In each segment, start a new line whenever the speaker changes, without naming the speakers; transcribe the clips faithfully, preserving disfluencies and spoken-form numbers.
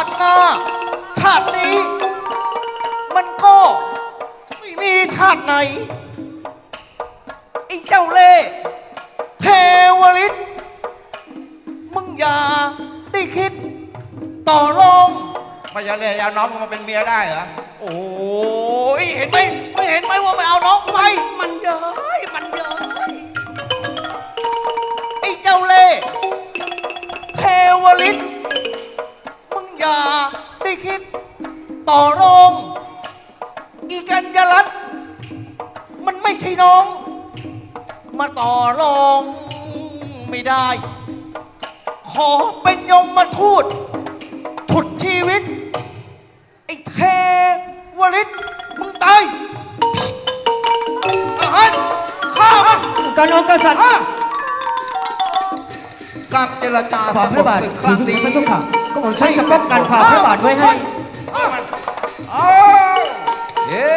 ติหน้าชาตินี้มันก็ไม่มีชาติไหนไอ้เจ้าเล่ห์เทวฤทธิ์มึงอย่าได้คิดต่อรอง
ไม่จะเลยเอาน้องมึงมาเป็นเมียได้เหรอ
โอ้ยเห็นไหมไม่เห็นไหมว่ามันเอาน้องไป
มันเย้ยมันเย้ย
ไอ้เจ้าเล่ห์เทวฤทธิ์มึงอย่าได้คิดต่อรองอีกัญญาลัตน์มันไม่ใช่น้องมาต่อรองไม่ได้ขอเป็นยมมาทูตฉุดชีวิตไอ้เทวฤทธิ์มึงตายทหารฆ่ามัน
การองกษัตริย์
การเจรจา
ฝ่าพระบาทครั้งนี้พระเจ้าค่ะก็ผมใช้จะป้องกันฝ่าพระบาทไว้ให้
เย้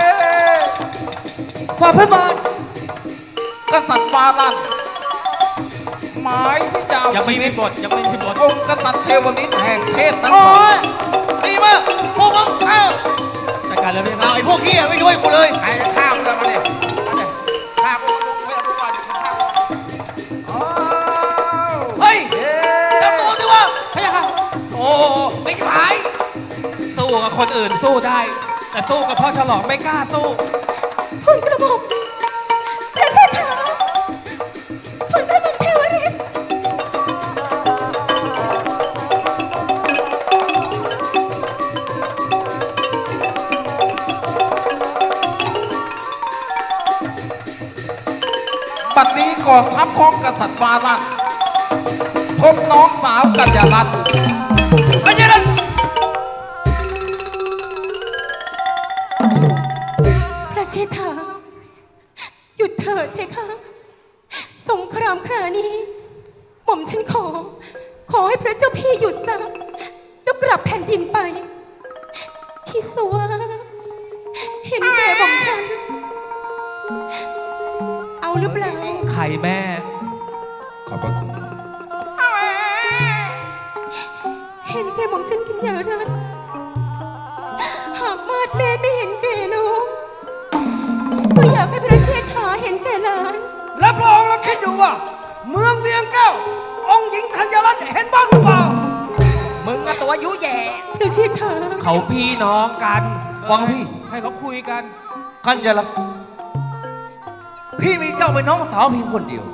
ฝ่าพระบาท
กษัตริย์ฟาลันหมายที่จะเอาชีวิต
ยังไม่มีบท
องค์กษัตริย์เทวฤทธิ์แห่งเทพนั้น
ดีมากพวกมึงข้า
จัดการแล้วพี่
ไอ้พวกขี้ไม่ช่วยกูเลย
ใครจะฆ่ากูแล้วมาเนี่ยมาเนี่ยฆ่ากูไม่เอาดูก่อนฆ่า
เฮ้ยจับตัวสิวะ
พะยะค่ะ
โอ้ไม่หาย
สู้กับคนอื่นสู้ได้แต่สู้กับพ่อฉลองไม่กล้าสู้
ทุนกระหม่อมประเทศไทยทุนกระหม่อมเทวฤทธิ์
บัดนี้กองทัพของกษัตริย์ฟาลันพบน้องสาวกัญญาลัตน์
กัญญาลัตน์
ประเทศไทยหยุดเถิดเพคะสงครามครานี้หม่อมฉันขอขอให้พระเจ้าพี่หยุดซะแล้วกลับแผ่นดินไปที่สัวเห็นแก่หม่อมฉันเอาหรือเปล่า
ไข่แม่
ขอบพระคุณ
เห็นแก่หม่อมฉันกัญญารัตน์หากมาดแม่ไม่เห็นแก่น้องก็อยากให้ประเทศไทยเห็นแก่หลาน
แล้วพระองค์ลองคิดดูว่าเมืองเวียงแก้วองค์หญิงธัญรัตน์เห็นบ้างหรือเปล่า
มึงกับตัวยุแย่
ประเทศไทย
เขาพี่น้องกัน
ฟังพี่
ให้เขาคุยกัน
กัญญาลัตน์พี่มีเจ้าเป็นน้องสาวเพียงคนเดียว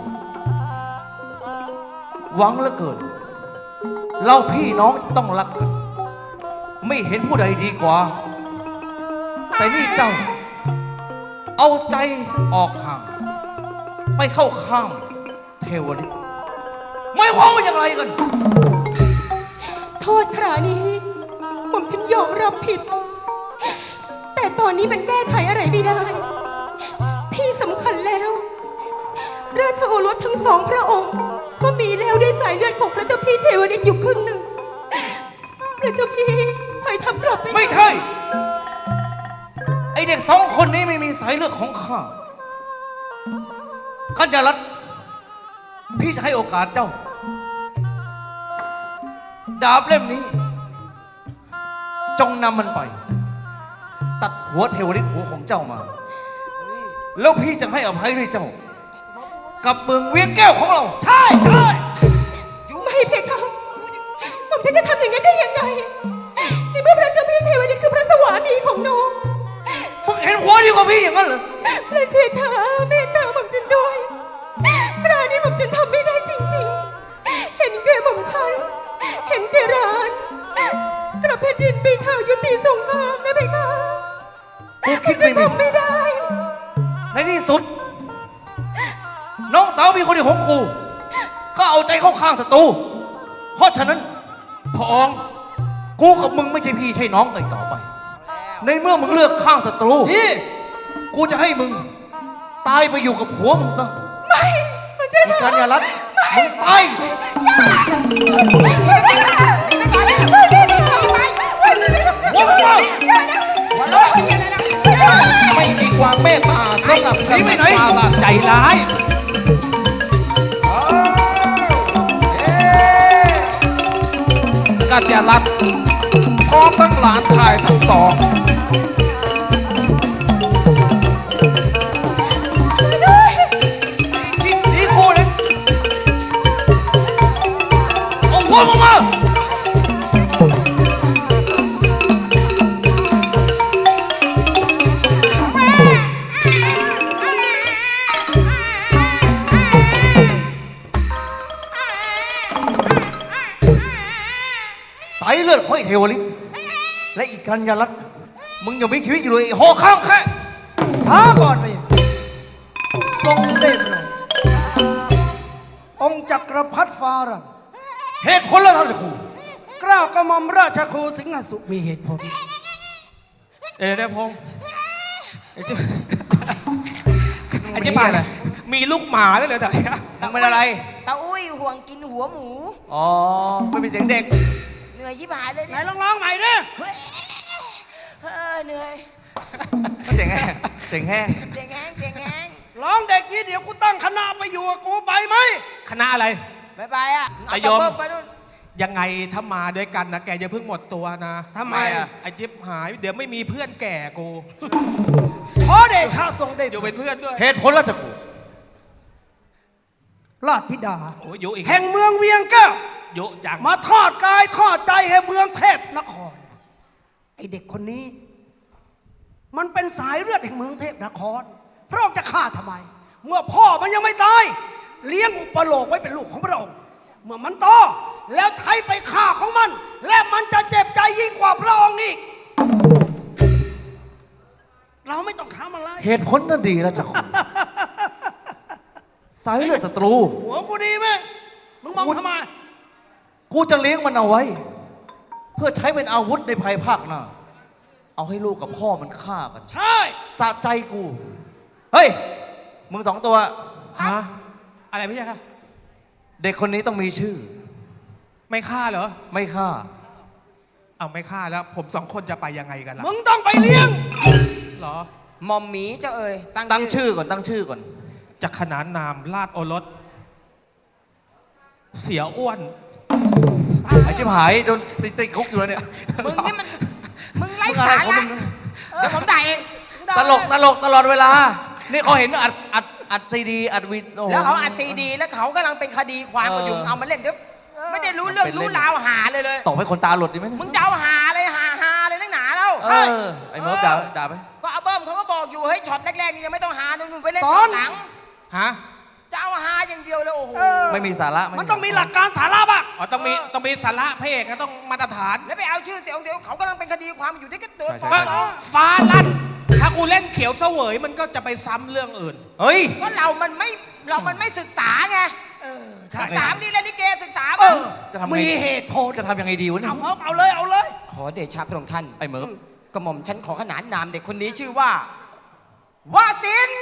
หวังเหลือเกินเราพี่น้องต้องรักกันไม่เห็นผู้ใดดีกว่าแต่นี่เจ้าเอาใจออกห่างไปเข้าข้างเทวฤทธิ์ไม่ความว่าอย่างไรกัน
โทษครานี้ผมฉันยอมรับผิดแต่ตอนนี้มันแก้ไขอะไรไม่ได้ที่สำคัญแล้วราชโอรสทั้งสองพระองค์ก็มีแล้วด้วยสายเลือดของพระเจ้าพี่เทวฤทธิ์อยู่ครึ่งหนึ่งพระเจ้าพี่ถอยทัพกลับไป
ไม่ใช่ไอเด็กสองคนนี้ไม่มีสายเลือดของข้ากัญญาลัตน์พี่จะให้โอกาสเจ้าดาบเล่มนี้จงนำมันไปตัดหัวเทวฤทธิ์หัวของเจ้ามาแล้วพี่จะให้อภัยด้วยเจ้ากับเมืองเวียงแก้วของเราใช่ใช่
ไม่เพคะผมฉันจะทำอย่างนั้นได้ยังไงในเมื่อพระเจ้าพี่เทวฤทธิ์คือพระสวามีของน้อง
มึงเห็นหัวดีกว่าพี่อย่างนั้นเหรอ
พระเชษฐาเมตตาหม่อมฉันด้วยคราวนี้หม่อมฉันทำไม่ได้จริงๆเห็นแก่หม่อมฉันเห็นแก่ร้านกลับแผ่นดินไปเถอะยุติสงครามนะเพคะ
กูคิด
ไม่ทำไม่ได้
ในที่สุดน้องสาวมีคนเดียวของกูก็เอาใจเข้าข้างศัตรูเพราะฉะนั้นพระองค์กูกับมึงไม่ใช่พี่ใช่น้องเลยต่อไปในเมื่อมึงเลือกข้างศัตรูนี่กูจะให้มึงตายไปอยู่กับผัวมึงซะ
ไม่ไม่ใช่
กัญญาลัตน์มึงตาย
อย่าไม่ใช่ไม่ใช่ไม่ใช่ไม่ใช่ไม่ใช่
หัวมึงมา
ไม่มีความเมตตาสำหรับกษัตริย์ฟาลัน
ใจร้าย
กัญญาลัตน์พร้อมทั้งหลานชายทั้งสอง
คิดหนีคู่เลยเอาหัวมึงมาสายเลือดของไอ้เทวฤทธิ์และอีกกัญญาลัตน์มึงยังมีชีวิตอยู่เลยไอ้หอข้างแค่ช้าก่อนไปทรงเดชเลยองค์จักรพรรดิฟารันเหตุผลแล้วท่านจะครูกล้าวกระหม่อมราชครูสิงหสุมีเหตุผล
เอ๋ได้พงษ์ไอ้เจ้าไอ้เจ้าป่ามีลูกหมาด้วยเหรอแต่เนี่ย
มึงเป็นอะไร
ตาอุ้ยห่วงกินหัวหมู
อ๋อ ไม่มีเสียงเด็ก
เหนื่อยชิบหายเลย
ไหน
เนี่ย
ลองร้องใหม่ดิ
เฮ้ยเออเหนื่อย
เสียงแห้งเสียงแห้ง
เสียงแห้งเสียงแห้ง
ร้องเด็กนี้เดี๋ยวกูตั้งคณะไปอยู่กับกูไปไหม
คณะอะไร
บายบายอ่ะ
ตายม
เาไปนู่น
ยังไงถ้ามาด้วยกันนะแกจะเพิ่งหมดตัวนะ
ทำไมอ่ะ
ไอ้จิ๊บหาย เดี๋ยวไม่มีเพื่อนแก่กู
ขอเดชะทรงเดช
อยู่เป็นเพื่อนด้วย
เหตุผลราชครูราชธิดา
โอ้ยยุอีก
แห่งเมืองเวียงแก้ว
ยุจัง
มาทอดกายทอดใจให้เมืองเทพนคร ไอเด็กคนนี้ มันเป็นสายเลือดแห่งเมืองเทพนคร พระองค์จะฆ่าทำไม เมื่อพ่อมันยังไม่ตาย เลี้ยงอุปโลกไว้เป็นลูกของพระองค์ เมื่อมันโตแล้วไทยไปฆ่าของมัน และมันจะเจ็บใจยิ่งกว่าพระองค์อีก เราไม่ต้องทำอะไร
เหตุผลนั่นดีแล้วจ้ะคุณ สายเลือดศัตรู
หัวกูดีไหมมึงมองทำไม
กูจะเลี้ยงมันเอาไว้ เพื่อใช้เป็นอาวุธในภายภาคหน้า เอาให้ลูกกับพ่อมันฆ่ากัน
ใช่
สะใจกู เฮ้ย มึงสองตัว
ฮะอะไรไม่ใช่ค่ะ
เด็กคนนี้ต้องมีชื่อ
ไม่ฆ่าเหรอ
ไม่ฆ่า
เอาไม่ฆ่าแล้ว ผมสองคนจะไปยังไงกันล่ะ
มึงต้องไปเลี้ยง
เหรอ
หมอมหมีเจ้าเอ๋ย
ตั้งชื่อก่อน ตั้งชื่อก่อน
จากขนานนามราชโอรส เสียอ้วน
ไอ้ชิบหายโดนติดติดคุกอยู่แล้วเนี่ย
มึงนี่มัน มึงไร้
มึงอะไร
สา
ของ
ระ
มึงนะ
เดี๋ยวผมด่าเอง
ตลกตลกตลอดเวลา นี่เขาเห็นอัดอัดอัดซีดีอัดวิดโอ้โห
แล้วเขาอัดซีดี แล้วเขากำลังเป็นคดีความกันอยู่
เออ
เอามาเล่นเดี๋ยวไม่ได้รู้เรื่อง
เป็นเล่น
รู้ราวหาเลยเลย
ตบให้คนตาหลุดดีไหมเนี่ย
มึงจะเอาหาเลยหาหาเลยนักหนาแล้ว
เออ ไอ้เมิร์ฟด่าด่าไป
ก็เอาเบิ้มเขาก็บอกอยู่เฮ้ยช็อตแรกๆนี่ยังไม่ต้องหาหนุ่นๆไปเล่น
ส
ช็
อ
อน ตหลัง
ฮะ
จะเอาหาอย่างเดียวเลยโอ้โห
ไม่มีสาระ
มันต้องมีหลักการสาระบ้าง
อ๋อ ต้องมี ต้องมีสาระพระเอกนะต้องมาตรฐาน
แล้วไปเอาชื่อเสียงเดียวเขากำลังเป็นคดีความอยู่ที่ก็เดิน
ใช่
ฟ้อง
ใช่
ร้อง
ฟ้าลั่น ถ้ากูเล่นเขียวเสวยมันก็จะไปซ้ำเรื่องอื่น
เฮ้ย
ก็เรามันไม่เรามันไม่ศึกษาไง
เออ ใช่
ศึกษาดีเล่นลิเกศึกษา
เอ
บ้าง
อ
จะทำไง
มีเหตุผล
จะทำยังไงดีวะเนี่ย
เอาเอาเอาเลยเอาเลย
ขอเดชะพระองค์ท่าน
ไอ้เมิร์ฟ
กระหม่อมฉันขอขนานนามเด็กคนนี้ชื่อว่า วาสิน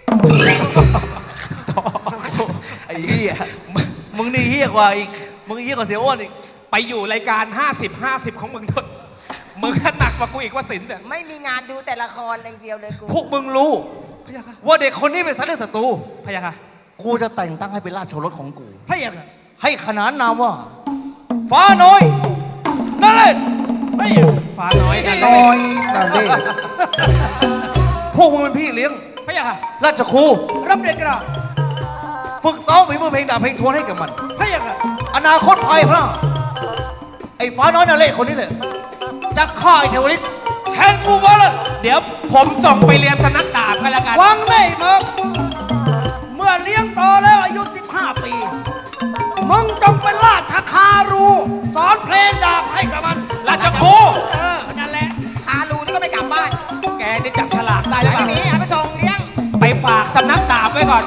ไอ้เหี้ยมึงนี่เหี้ยกว่าอีก มึงเหี้ยกว่าเสียอ้วนอีก
ไปอยู่รายการ ห้าสิบ ห้าสิบ ของมึงทนมึงหนักกว่ากูอีกว่าสินแต่
ไม่มีงานดูแต่ละครอย่างเดียวเลยกู
พวกมึงรู้
พะยะค่ะ
ว่าเด็กคนนี้เป็นสายเลือดศัตรู
พะยะค่ะ
กูจะแต่งตั้งให้เป็นราชโอรสของกู
พระเอกอะ
ให้ขนานนามว่า ฟ้าน้อยนั่นแหละ
พระเอกอะ
ฟ้าน้อยนั่น
น้อยนาเล่
พวกมึงเป็นพี่เลี้ยง
พะยะค่ะ
ราชครู
รับเด็กกระดาษ
ฝึกซ้อมฝีมือเพลงดาบเพลงทวนให้กับมัน
พระเอกอะ
อนาคตภายภาคไอ้ฟ้าน้อยนั่นแหละคนนี้แหละจะฆ่าไอ้เทวฤทธิ์แทนกูมาเลย
เดี๋ยวผมส่งไปเรียนสนักดาบกันแล้วกัน
วังไม่มึงเมื่อเลี้ยงโตแล้วอายุสิบห้าปี มึงจงเป็นราชคารู สอนเพลงดาบให้กับมัน
ราชครู
เออ นั่นแหละ
คารูนี่ก็ไม่กลับบ้าน
แกนี่จับฉลากได้แล้ว
ไอ้
ป่ะ
หมีเอาไปส่งเลี้ยง
ไปฝากสำนักดาบไว้ก่อน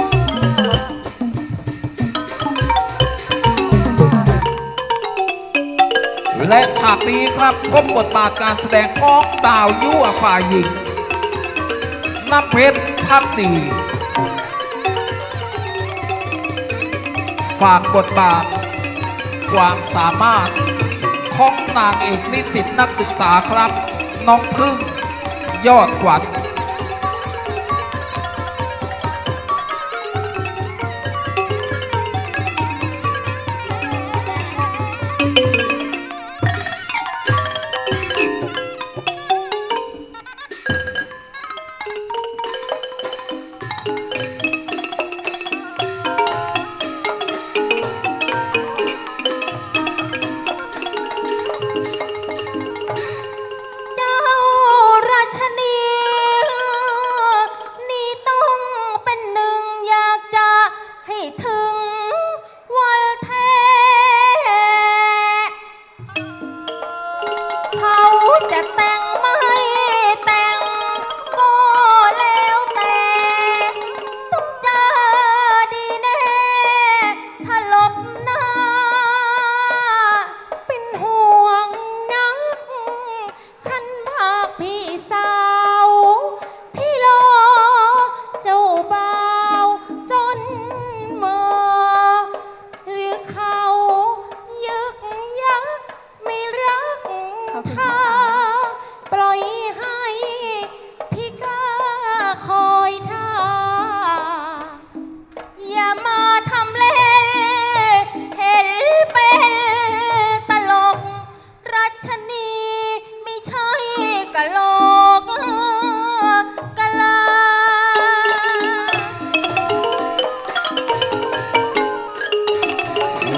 และฉากนี้ครับพบบทบาทการแสดงของดาวยั่วฝ่ายหญิงน้ำเพชรพักดีฝากบทบาทความสามารถของนางเอกนิสิตนักศึกษาครับ น้องพึ่งยอดขวัญ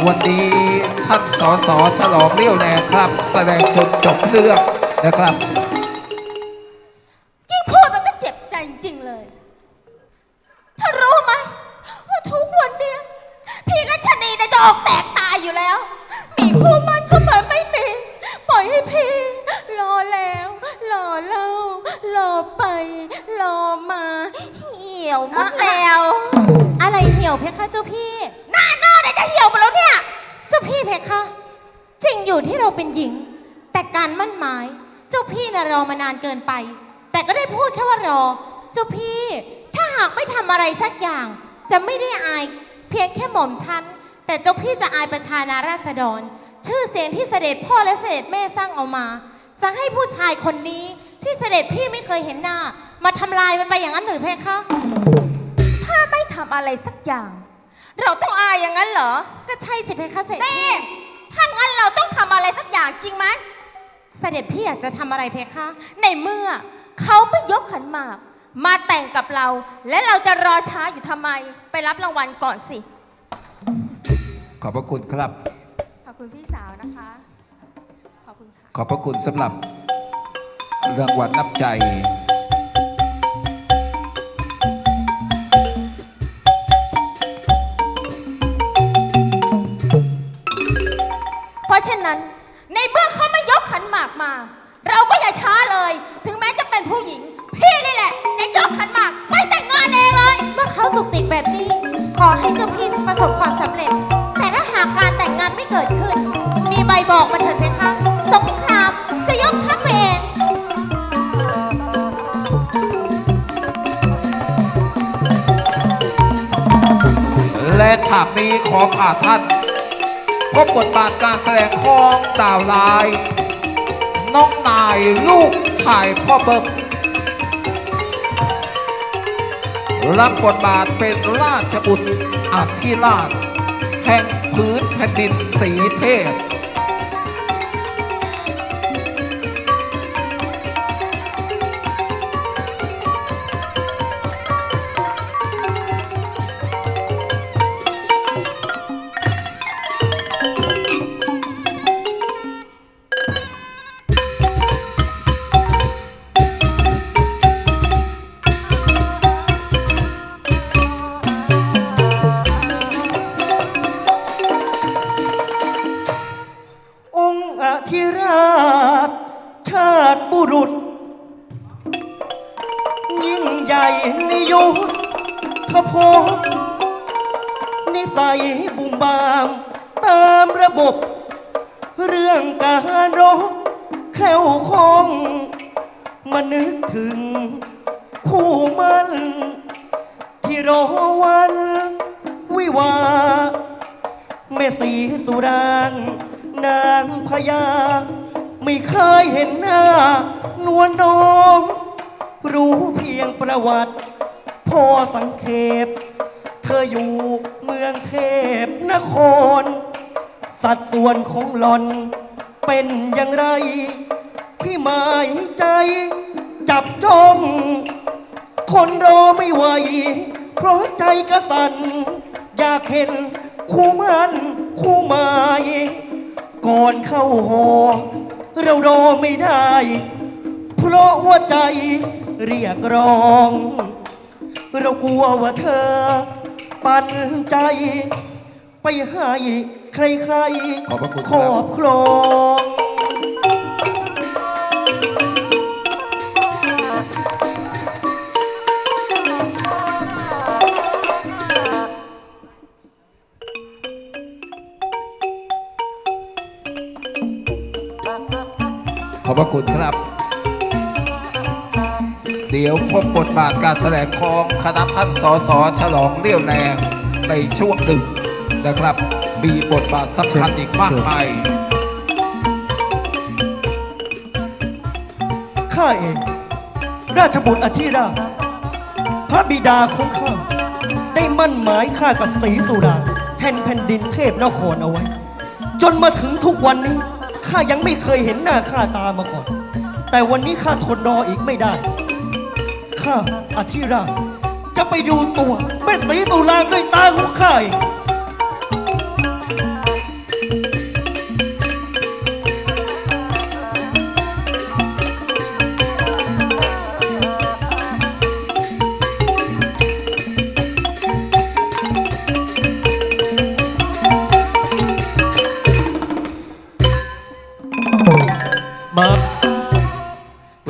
วันนี้ท่านสสฉลองเรี่ยวแรงครับ แสดงจนจบเรื่องนะครับ
ยิ่งพูดมันก็เจ็บใจจริงๆเลยถ้ารู้ไหมว่าทุกวันเนี้ยพี่รัชนีเนี่ยจะออกแตกตายอยู่แล้ว มีคู่มันก็เหมือนไม่มี ปล่อยให้พี่ รอแล้วรอเล่ารอไป รอมาเหี่ยวหมดแล้ว อะไรเหี่ยวเพคะเจ้าพี่ หน้าหน้าเนี่ยจะเหี่ยวหมดแล้วเนี่ย เจ้าพี่เพคะจริงอยู่ที่เราเป็นหญิง แต่การมั่นหมาย เจ้าพี่น่ะรอมานานเกินไป แต่ก็ได้พูดแค่ว่ารอ เจ้าพี่ถ้าหากไม่ทำอะไรสักอย่าง จะไม่ได้อายเพียงแค่หม่อมฉันแต่เจ้าพี่จะอายประชานาราษฎร ชื่อเสียงที่เสด็จพ่อและเสด็จแม่สร้างเอามา จะให้ผู้ชายคนนี้ที่เสด็จพี่ไม่เคยเห็นหน้า มาทำลายมันไปอย่างนั้นหรือเพคะ ถ้าไม่ทำอะไรสักอย่าง เราต้องอายอย่างนั้นเหรอก็ใช่สิเพคะเสด็จพี่ถ้างั้นเราต้องทำอะไรสักอย่างจริงไหมเสด็จพี่อยากจะทำอะไรเพคะ ในเมื่อเขาไม่ยกขันหมากมาแต่งกับเรา และเราจะรอช้าอยู่ทำไมไปรับรางวัลก่อนสิ
ขอบพระคุณครับ
ขอบคุณพี่สาวนะคะ ขอบคุณค่ะ
ขอบพระคุณสำหรับรางวัลน้ำใจ
เพราะฉะนั้นในเมื่อเขาไม่ยกขันหมากมา เราก็อย่าช้าเลย ถึงแม้จะเป็นผู้หญิง พี่นี่แหละจะยกขันหมากไปแต่งงานเองเลยเมื่อเขาตุกติกแบบนี้ ขอให้เจ้าพี่ประสบความสำเร็จ แต่ถ้าหากการแต่งงานไม่เกิดขึ้น มีใบบอกมาเถิดเพคะสงครามจะยกทัพไปเอง
และฉากนี้ขอผ่าท่านพบบทบาทการแสดงของดาวลาย น้องนายลูกชายพ่อเบิ้มรับบทบาทเป็นราชบุตรอธิราช แห่งพื้นแผ่นดินศรีเทพ
องค์อธิราช ชาติบุรุษ ยิ่งใหญ่ในยุทธภพนิสัยบุ่มบามตามระบบ เรื่องการรบแคล้วคล่องมานึกถึง คู่มันที่รอวันวิวาห์แม่สีสุรางนางพญาไม่เคยเห็นหน้านวลน้อง รู้เพียงประวัติพอสังเขปเธออยู่เมืองเทพนคร สัดส่วนของหล่อนเป็นอย่างไร พี่หมายใจจับจ้องคนรอไม่ไหว เพราะใจกระสันอยากเห็นคู่มันคู่หมายก่อนเข้าหอเรารอไม่ได้ เพราะว่าใจเรียกร้อง เรากลัวว่าเธอ ปันใจ ไปให้ใคร
ขอบพระคุณ
ๆ
ค
ครับ รอบครอง
ขอบพระคุณครับ เดี๋ยวพบบทบาทการแสดงของคณะท่านสสฉลองเรี่ยวแรงในช่วงหนึ่งนะครับ มีบทบาทสำคัญอีกมากมาย
ข้าเอง ราชบุตรอธิราช พระบิดาของข้า ได้มั่นหมายข้ากับศรีสุรางแห่งแผ่นดินเทพนครเอาไว้ จนมาถึงทุกวันนี้ ข้ายังไม่เคยเห็นหน้าข้าตามาก่อน แต่วันนี้ข้าทนรออีกไม่ได้ ข้าอธิราช จะไปดูตัวแม่ศรีสุรางด้วยตาของข้าเอง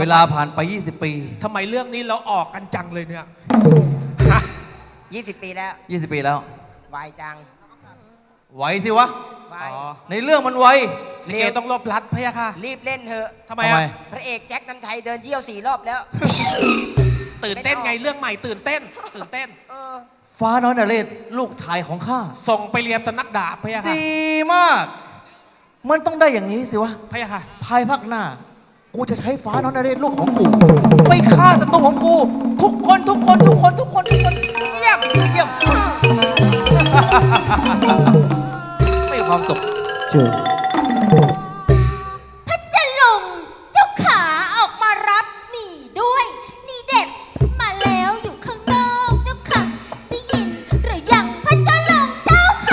ลาผ่านไป ยี่สิบ ปี
ทำไมเรื่องนี้เราออกกันจังเลยเนี่ยฮะ
ยี่สิบปีแล้ว
ยี่สิบ ปีแล้ว
ไวจัง
ไหวสิวะ
ไว
อ๋อ
ในเรื่องมันไว
ลิเกต้องลบลัดพะยะค่ะ
รีบเล่นเถอะ
ทำไม
ทำ
อะ
ไม
พระเอกแจ็คน้ำไทยเดินเยี่ยวสี่รอบแล้ว
ตื่นเต้นไงเรื่องใหม่ตื่นเต้น ตื่นเต้น
เออ
ฟ้าน้อยนเรศลูกชายของข้า
ส่งไปเรียนสำนักดาบพะยะค่ะ
ดีมาก มันต้องได้อย่างนี้สิวะ
พะยะค่ะ
ภายภาคหน้า กูจะใช้ฟ้าน้อยนเรศลูกของกู ไปฆ่าศัตรูของกู ทุกคนทุกคนทุกคนทุกคนทุกคนเยี่ยมเยี่ยม ไม่มีความสุขจู
พระเจ้าลงเจ้าขาออกมารับหนีด้วย นี่เด็ดมาแล้วอยู่ข้างนอกเจ้าค่ะได้ยินหรือยังพระเจ้าลงเจ้าขา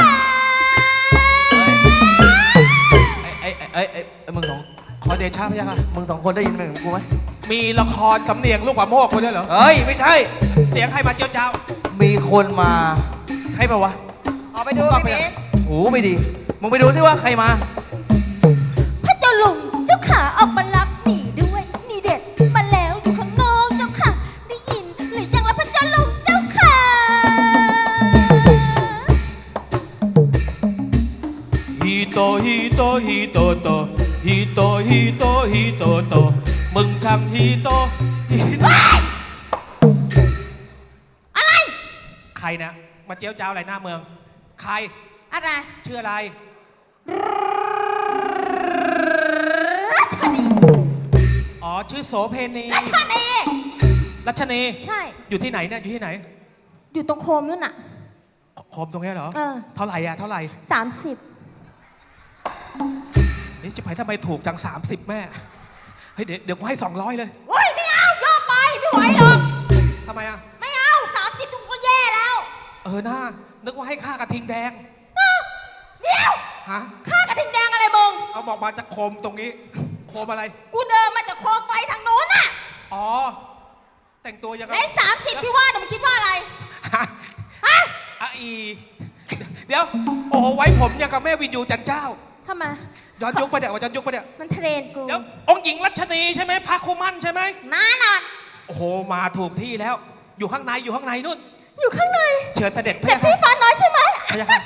ไอ้ไอ้ไอ้ไอ้ไอ้มึงสอง
ขอเดชะพะยะค่ะ
มึงสองคนได้ยินเหมือนกูไหม
มีละครสำเนียงลูกหมาโมกคนด้วยเหรอ
เฮ้ย ไม่ใช่
เสียงใครมาเจียวเจ้า
มีคนมา ใช่ปะวะ
ออกไปดู
ผมก็
พี่
ไป
เมฆ
โอ้ไม่ดี มึงไปดูสิว่าใครมา
พระเจ้าลงเจ้าขาออกมารับหนีด้วย นี่เด็ดมาแล้วอยู่ข้างนอกเจ้าค่ะได้ยินหรือยังละพระเจ้าลงเจ้าขา
ฮีโตฮีโตฮีโตโตฮีโตฮีโตฮีโตโตมึงทางฮีโตฮีโต
อะไร
ใครนะมาเจียวเจ้าอะไรหน้าเมือง ใคร
อะไร
ชื่ออะไร
รัชนี
อ๋อชื่อโสเพณี
รัชนี
รัชนี
ใช่
อยู่ที่ไหนเนี่ยอยู่ที่ไหน
อยู่ตรงโคมนู่นน่ะ
โคมตรงเนี้ยเหรอ
เออ
เท่าไหร่อะเท่าไหร่
สามสิบ
นี่จะไปทำไมถูกจังสามสิบแม่เฮ้ยเดี๋ยวเดี๋ยวกูให้สองร้อยเลย
โอ้ยไม่เอาเยอะไปไม่ไหวหรอก
ทำไมอะ
ไม่เอาสามสิบถุงก็แย่แล้ว
เออหน้านึกว่าให้ค่ากระทิงแดง
เดี๋ยว
ฮะ
ข้ากระทิงแดงอะไรมึง
เอาบอกมาจากโคมตรงนี้ โคมอะไร
กูเดินมาจากโคมไฟทางโน้นน่ะ
อ๋อ แต่งตัวยังไง
และสามสิบที่ว่าน่ะมึงคิดว่าอะไร
ฮะ
ฮะ
อะอี เดี๋ยว โอ้โห ไว้ผมยังกับแม่วินยูจันเจ้า
ทำไม
ย้อนยุคปะเนี่ยว่าย้อนยุคปะเนี่ย
มันเทรนกู
เดี๋ยว องค์หญิงรัชนีใช่ไหมพระคุมันใช่ไหม
นานอน
โอ้โห มาถูกที่แล้ว อยู่ข้างใน อยู่ข้างในนู่น
อยู่ข้างใน
เชิญเสด็จพระ
เด็ก
ยาค่ะ
พี่ฟ้าน้อยใช่ไหม
พระยาค่ะ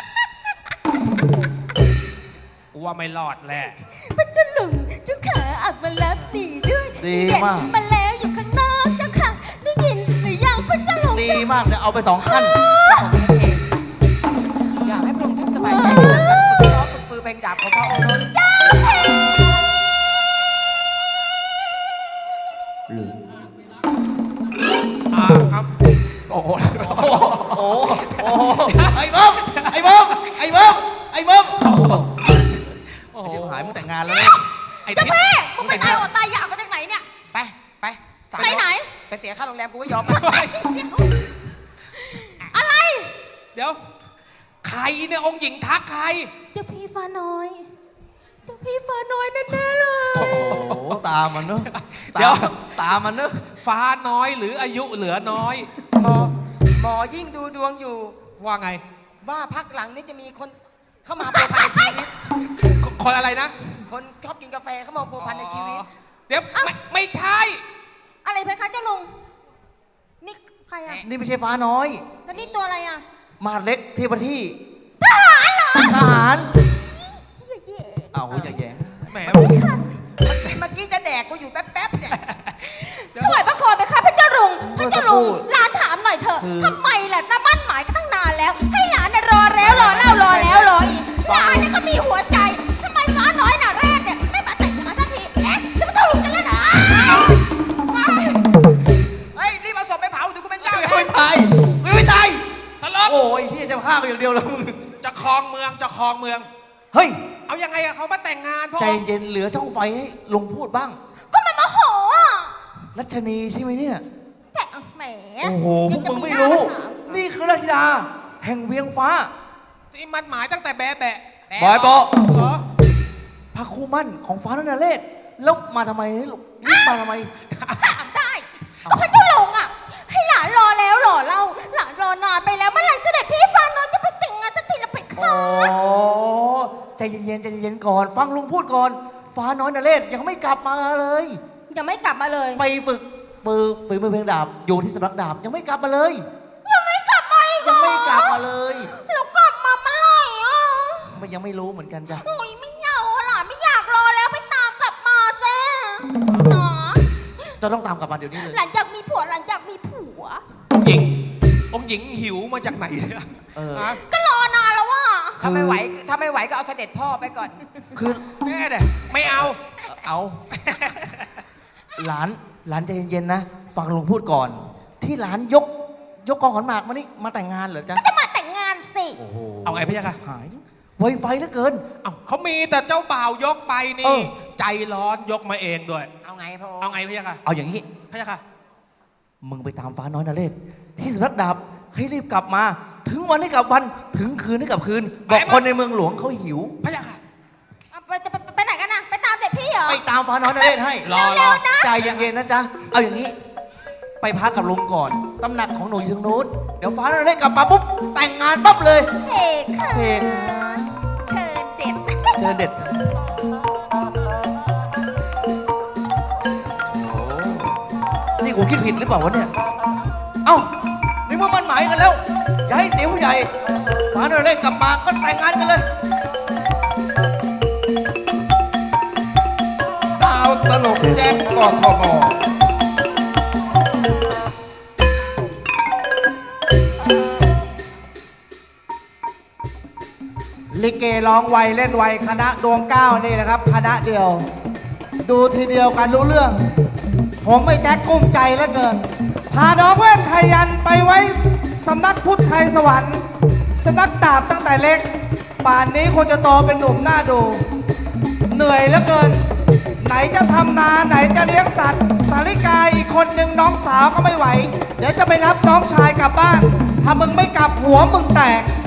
กูว่าไม่รอดแหละ
พระเจ้าหลุงเจ้าขาออกมารับหนีด้วย
ดี
นี่เด็
มาก
มาแล้วอยู่ข้างนอกเจ้าค่ะ ได้ยินหรือยังพระเจ้าหลุง
ดีมากเดี๋ยวเอาไปสองขั้น
ของพระเอกอยากให้พระองค์ท่านสบายใจในการฝึกซ้อมฝึกปือเพลงดาบของพระองค์นั้น
เจ้าเพล
หรือ
อ่าครับโอ้โห
โอ้โหโอ้โหไอ้มึงไอ้มึงไอ้มึงไอ้มึงโอ้โห
โอ้โห
ชิบหายมึงแต่งงานแล้วเนี่ย
ไอ้
เจ้า
ทิศ
เพ่มึงไปตายอดตายอยากมาจากไหนเนี่ย
ไปไปสาม
ไปไหน
ไปเสียค่าโรงแรมกูก็ยอม
อะไร
เดี๋ยว ใครเนี่ยองค์หญิงทักใคร
เจ้าพี่ฟ้าน้อย เจ้าพี่ฟ้าน้อยแน่ๆเลย
โอ้โหตามันเนอะ
เดี๋ยว
ตาตามันเนอะ
ฟ้าน้อยหรืออายุเหลือน้อย
หมอหมอยิ่งดูดวงอยู่
ว่าไง
ว่าพักหลังนี้จะมีคนเข้ามาพัวพันในชีวิต
คคนอะไรนะ
คนชอบกินกาแฟเข้ามาพัวพันในชีวิต
อ๋อเดี๋ยวไม่ไม่ใช่
อะไรเพคะเจ้าลุง นี่ใครอ่ะ
นี่ไม่ใช่ฟ้าน้อย
แล้วนี่ตัวอะไรอ่ะ
มาเล็กเทพที่
ทหารเหรอ
ทหาร
เหี้ยเย่
เอาอย่าแย่ง
แหม
เมื่อกี้เมื่อกี้จะแดกกูอยู่แป๊บๆเนี่ย
ถวายพระคอไปค่ะพระเจ้าลุง พระเจ้าลุงหลานถามหน่อยเถอะทำไมล่ะน้ามั่นหมายก็ตั้งนานแล้ว ให้หลานน่ะรอแล้วรอเล่ารอแล้วรออีกหลานเนี่ยก็มีหัวใจทำไมฟ้าน้อยน่ะแรกเนี่ยไม่มาแต่งงานสักที เอ๊ะแล้วพระเจ้าลุงจะเล่นอะไร
เฮ้ยรีบเอาศพไปเผาเดี๋ยวกูเป็นเจ้า
ไม่
เอ
ไม่
ง
ตายไม่ไม่ตาย
สลบ
โอ้ยที่จะฆ่ากูอย่างเดียวแล้วมึง
จะครองเมืองจะครองเมือง
เฮ้ย
เอายังไงอะเขามาแต่งงานพ่อ
ใจเย็นเหลือช่องไฟให้ลุงพูดบ้าง
ก็มันมาโหอ่ะ
รัชนีใช่ไหมเนี่ย
แหมแหม
โอ้โหพ
ยั
วก
จะ
มึงไม่
หน้า
รู้
ถาม
นี่คือราชธิดา แห่งเวียงฟ้า
ที่มันหมายตั้งแต่แบะแบะ
บอยโบะ
เหรอ
พระคู่มั่นของฟ้านนเรศแล้วมาทำไมลูกรีบมาทำไม
ถามได้ก็พระเจ้าลุงอ่ะ ให้หลานรอแล้วรอเล่าหลานรอนานไปแล้วเมื่อไหร่เสด็จพี่ฟ้าน้อยจะไปแต่งงานสักทีละไป
อ๋
ค่ะ
อใจเย็นๆใจเย็นๆก่อน ฟังลุงพูดก่อน ฟ้าน้อยนเรศยังไม่กลับมาเลย
ยังไม่กลับมาเลย
ไปฝึกปือฝีมือเพลงดาบอยู่ที่สำนักดาบยังไม่กลับมาเลย
ยังไม่กลับมาอีกเหร
ยัง
อ
ไม่กลับมาเลย
แล้วกลับมาเมื่อไหร่อ่ะ
มันยังไม่รู้เหมือนกันจ้ะ
โอ้ยไม่เอาหล่ะไม่อยากรอแล้วไปตามกลับมาแซ่หนอ
จะต้องตามกลับมาเดี๋ยวนี้เลย
หลังจากมีผัวหลังจากมีผัว
องค์หญิง องค์หญิงหิวมาจากไหนเนี่ย
เออ
ฮะ
ก็รอนานแล้วว่ะ
ถ้าไม่ไหวถ้าไม่ไหวก็เอาเสด็จพ่อไปก่อน
คือ
แน่เด้ไม่เอา
เอา หลานหลานใจเย็นๆนะฟังลุงพูดก่อน ที่หลานยกยกกองขอนหมากมานี่มาแต่งงานเหรอจ๊ะ
ก็จะมาแต่งงานสิ
โอ้โห
เอาไงพี่ยะค่ะ
หายไวไฟเหลือเกิน
เอ้าเขามีแต่เจ้าบ่าวยกไป
เอ
นี่
อ
ใจร้อนยกมาเองด้วย
เอาไงพระองค์
เอาไงพี่ยะค่ะ
เอาอย่างนี้
พี่ยะค่ะ
มึงไปตามฟ้าน้อยนเรศที่สำนักดาบให้รีบกลับมา ถึงวันให้กลับวันถึงคืนให้กลับคืน บอก
ไป
คนในเมืองหลวงเขาหิว
พี่ยะค่ะ
เอาไปไปไปไหนกันนะไปตามเด็กพี่เหรอ
ไปตามฟ้าน้อยนเรศให้
รอ
เร็วๆนะ
ใจเย็นๆนะจ๊ะ เอาอย่างนี้ ไปพักกับลุงก่อน ตำหนักของหนูอยู่ทางนู้น เดี๋ยวฟ้าน้อยนเรศกลับมาปุ๊บแต่งงานปั๊บเลย
เฮ้ค่ะ
เฮ้
เชิญเด็ด
เชิญเด็ดโอ้นี่กูคิดผิดหรือเปล่าวะเนี่ย เอ้าในเมื่อมันหมายกันแล้ว อย่าให้เสียผู้ใหญ่ฟ้าน้อยนเรศกลับมาก็แต่งงานกันเลย
ดาวตลกแจ็คกทม
ลิเกร้องไวเล่นไวคณะดวงเก้านี่นะครับ คณะเดียว ดูทีเดียวกันรู้เรื่อง ผมไม่แจ็คกุ้มใจเหลือเกิน พาน้องเวทไทยยันไปไว้สำนักพุทธไทยสวรรค์สำนักดาบตั้งแต่เล็ก ป่านนี้คงจะโตเป็นหนุ่มหน้าดู เหนื่อยเหลือเกิน ไหนจะทำนาไหนจะเลี้ยงสัตว์ สาริกาอีกคนหนึ่งน้องสาวก็ไม่ไหว เดี๋ยวจะไปรับน้องชายกลับบ้าน ถ้ามึงไม่กลับหัวมึงแตก